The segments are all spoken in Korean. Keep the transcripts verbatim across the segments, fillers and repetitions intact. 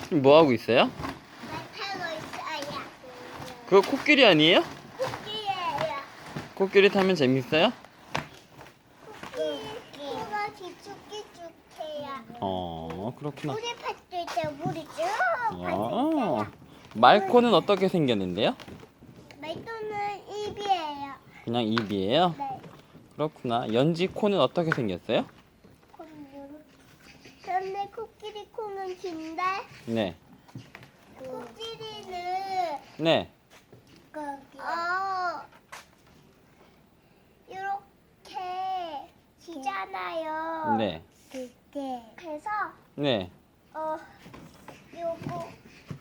뭐 하고 있어요? 말 타고 있어요. 그거 코끼리 아니에요? 코끼리예요. 코끼리 타면 재밌어요? 코끼리. 코가 뒤죽뒤죽해요. 어, 그렇구나. 물에 팠을 때 물이 쭉 어. 빠져있어요. 말코는 어떻게 생겼는데요? 말도는 입이에요. 그냥 입이에요? 네. 그렇구나. 연지 코는 어떻게 생겼어요? 그런데 코끼리 코는 긴데 네. 코끼리는 네. 어 이렇게 기잖아요. 네. 그래서 네. 어 요거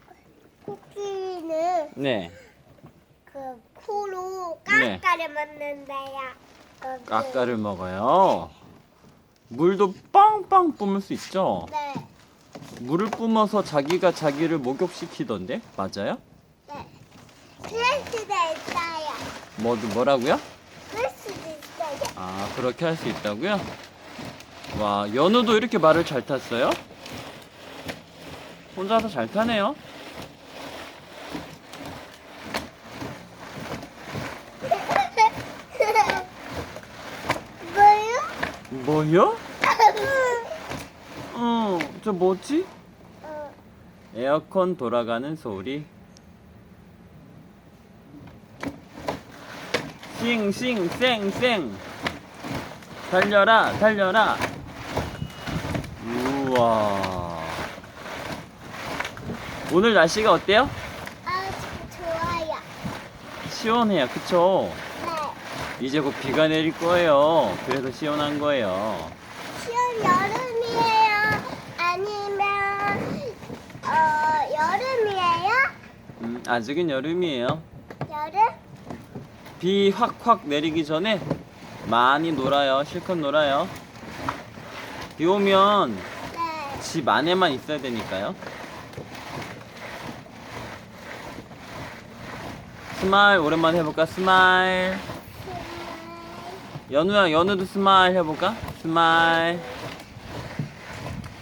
코끼리는 네. 그 코로 네. 깎아를 먹는데요. 거기. 까까를 먹어요. 물도 빵빵 뿜을 수 있죠? 네. 물을 뿜어서 자기가 자기를 목욕시키던데? 맞아요? 네. 그럴 수도 있어요. 뭐, 뭐라고요? 그럴 수도 있어요. 아, 그렇게 할 수 있다고요? 와, 연우도 이렇게 말을 잘 탔어요? 혼자서 잘 타네요. 뭐요? 뭐요? 어, 저 뭐지? 어, 에어컨 돌아가는 소리. 싱싱 쌩쌩 달려라 달려라. 우와, 오늘 날씨가 어때요? 아, 좋아요. 시원해요, 그쵸? 네. 이제 곧 비가 내릴 거예요. 그래서 시원한 거예요. 시험 여름이에요? 아니면 어 여름이에요? 음, 아직은 여름이에요. 여름? 비 확확 내리기 전에 많이 놀아요. 실컷 놀아요. 비 오면 네. 집 안에만 있어야 되니까요. 스마일 오랜만에 해볼까? 스마일. 연우야, 연우도 스마일 해볼까? 스마일.